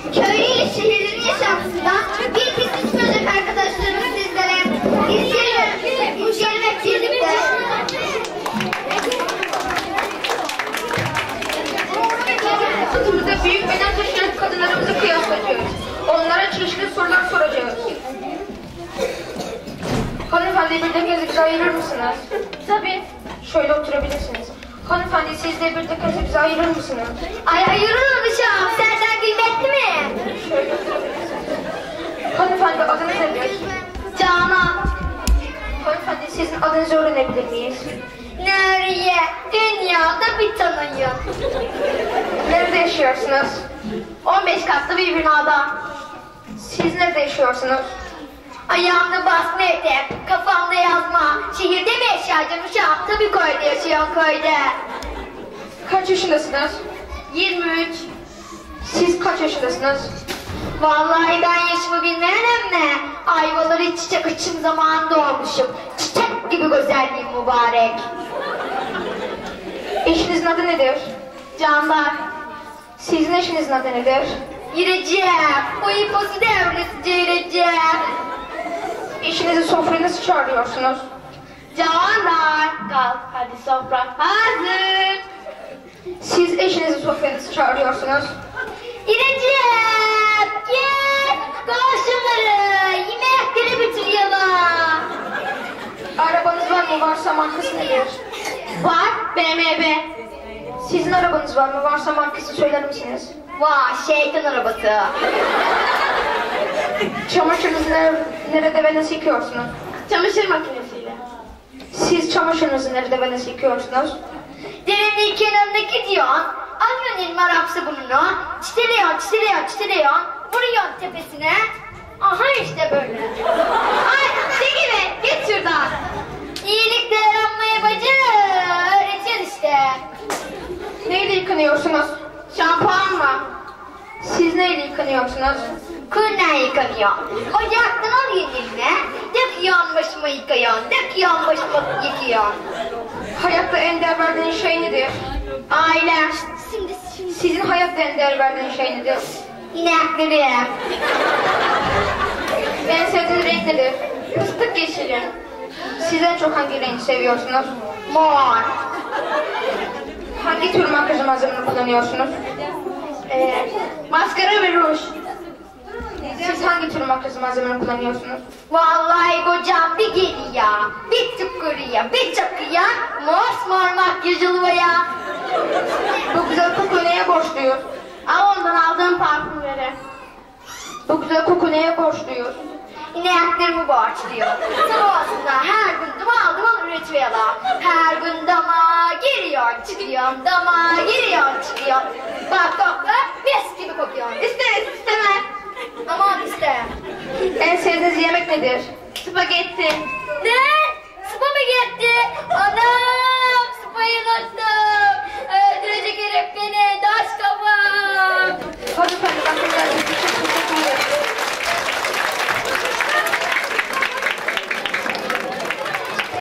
Köylü ile şehirlerin yaşantısından bir kısım çıkacak arkadaşlarımız sizlere. İzleyelim. Bu gelmek birlikte. Sırtımızda büyük beden taşıyan kadınlarımızı kıyaslayacağız. Onlara çeşitli sorular soracağız. Hanımefendi bir dakika bize ayırır mısınız? Tabii. Şöyle oturabilirsiniz. Hanımefendi siz de bir dakika bize ayırır mısınız? Ay ayırırım uşağım. Senden kıymetli mi? Şöyle oturabilirsiniz. Hanımefendi adınız nedir? Canan. Hanımefendi sizin adınızı öğrenebilir miyiz? Nereye? Dünyada bir tanıyım. Nerede yaşıyorsunuz? 15 katlı bir binada. Siz nerede yaşıyorsunuz? Ayağımda basma etek, kafamda yazma. Şehirde mi yaşayacağım uşağım? Tabii köyde yaşıyorum köyde. Kaç yaşındasınız? 23. Siz kaç yaşındasınız? Vallahi ben yaşımı bilmem mi? Ayvaları çiçek açım zamanında olmuşum. Çiçek gibi güzelliğim mübarek. Eşinizin adı nedir? Canlar. Sizin eşinizin adı nedir? Gireceğim. O iposu devresice gireceğim. Eşinizi sofraya nasıl çağırıyorsunuz? Canlar. Kalk hadi sofra hazır. Siz eşinizi sofraya nasıl çağırıyorsunuz? Gireceğim. Gel. Karşıları. Yemekleri bitiriyorlar. Arabanız var mı? Varsa markası nedir? Var. BMW. Sizin arabanız var mı? Varsa markası söyler misiniz? Vay şeytan arabası. Çamaşırınızı nerede ve nasıl yıkıyorsunuz? Çamaşır makinesiyle. Siz çamaşırınızı nerede ve nasıl yıkıyorsunuz? Derinliği kenarındaki diyorsun. Alıyorsun elma Arap sabununu. Çitiliyorsun. Vuruyorsun tepesine. Aha işte böyle. Ay çekime git şuradan. İyilik değerlenmeye bacı. Öğretiyorsun işte. Neyle yıkanıyorsunuz? Şampuan mı? Siz neyle yıkanıyorsunuz? Kuyundan yıkanıyor. Ocaktan alıyorsun eline. Döküyorsun başıma yıkıyorsun. Döküyorsun başıma yıkıyorsun. Hayatta en değer verdiğiniz şey nedir? Ailem. Sizin hayatta en değer verdiğiniz şey nedir? İneklerim. En sevdiğiniz renk nedir? Fıstık yeşili. Siz en çok hangi rengi seviyorsunuz? Mor. Hangi tür makyaj malzemeni kullanıyorsunuz? Maskara ve ruj. Siz hangi tür makyaj malzemeni kullanıyorsunuz? Vallahi kocam bir geliyor, bir tıkırıyor, bir çakıyor, mosmor makyaj oluyor. Bu güzel koku neye borçluyuz? Al ondan aldığım parfümleri. Bu güzel koku neye borçluyuz? İneklerimi borçluyor. Sabahında her gün duman üretiyorlar. Her gün dama giriyor çıkıyor, dama giriyor çıkıyor. Bak kokla mis gibi kokuyor. İsteriz istemez. Aman iste. En sevdiğiniz yemek nedir? Spagetti. Ne? Spagetti. Anam spayı unuttum. Öldürecek herif beni.